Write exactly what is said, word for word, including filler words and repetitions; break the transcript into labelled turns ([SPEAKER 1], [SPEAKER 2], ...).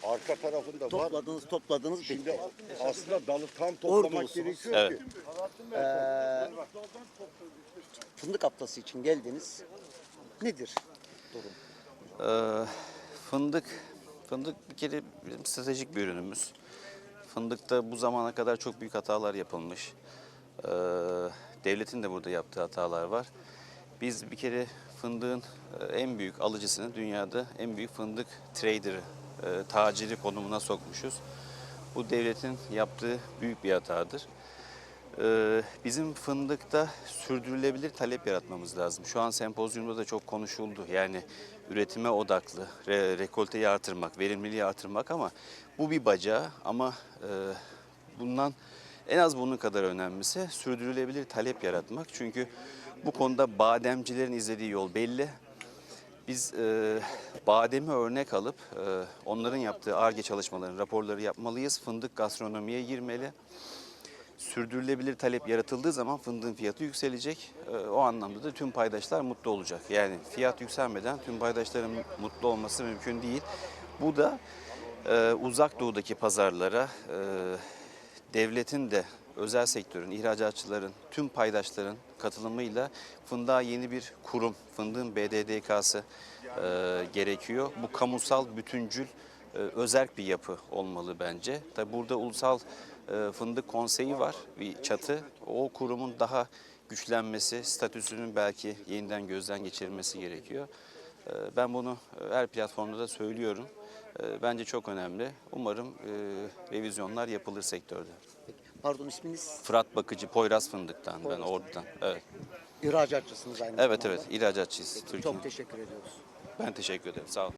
[SPEAKER 1] Arka tarafında var.
[SPEAKER 2] Topladınız, topladınız,
[SPEAKER 1] Şimdi
[SPEAKER 2] bitti.
[SPEAKER 1] aslında dalı tam toplamak
[SPEAKER 2] Ordulusunuz.
[SPEAKER 1] gerekiyor
[SPEAKER 3] Evet.
[SPEAKER 1] ki.
[SPEAKER 2] Ee, fındık haftası için geldiniz. Nedir durum?
[SPEAKER 3] Ee, fındık, fındık bir kere bizim stratejik bir ürünümüz. Fındıkta bu zamana kadar çok büyük hatalar yapılmış. Ee, devletin de burada yaptığı hatalar var. Biz bir kere fındığın e, en büyük alıcısını, dünyada en büyük fındık trader'ı, e, taciri konumuna sokmuşuz. Bu devletin yaptığı büyük bir hatadır. Ee, bizim fındıkta sürdürülebilir talep yaratmamız lazım. Şu an sempozyumda da çok konuşuldu. Yani üretime odaklı, re, rekolteyi artırmak, verimliliği artırmak ama bu bir bacağı ama e, bundan en az bunun kadar önemlisi sürdürülebilir talep yaratmak. Çünkü bu konuda bademcilerin izlediği yol belli. Biz e, bademi örnek alıp e, onların yaptığı Ar-Ge çalışmalarının raporları yapmalıyız. Fındık gastronomiye girmeli. Sürdürülebilir talep yaratıldığı zaman fındığın fiyatı yükselecek. Ee, o anlamda da tüm paydaşlar mutlu olacak. Yani fiyat yükselmeden tüm paydaşların mutlu olması mümkün değil. Bu da e, uzak doğudaki pazarlara e, devletin de özel sektörün, ihracatçıların, tüm paydaşların katılımıyla fındığa yeni bir kurum, fındığın B D D K'sı e, gerekiyor. Bu kamusal, bütüncül, e, özerk bir yapı olmalı bence. Tabi burada ulusal e, fındık konseyi var, bir çatı. O kurumun daha güçlenmesi, statüsünün belki yeniden gözden geçirilmesi gerekiyor. E, ben bunu her platformda da söylüyorum. E, bence çok önemli. Umarım e, revizyonlar yapılır sektörde.
[SPEAKER 2] Peki, pardon, isminiz?
[SPEAKER 3] Fırat Bakıcı, Poyraz Fındık'tan, ben
[SPEAKER 2] Poyraz'dan.
[SPEAKER 3] Ordu'dan. Evet,
[SPEAKER 2] İhracatçısınız aynı
[SPEAKER 3] evet,
[SPEAKER 2] zamanda.
[SPEAKER 3] evet, ihracatçıyız
[SPEAKER 2] Peki,
[SPEAKER 3] Türkiye.
[SPEAKER 2] çok teşekkür ediyoruz.
[SPEAKER 3] Ben teşekkür ederim, sağ olun.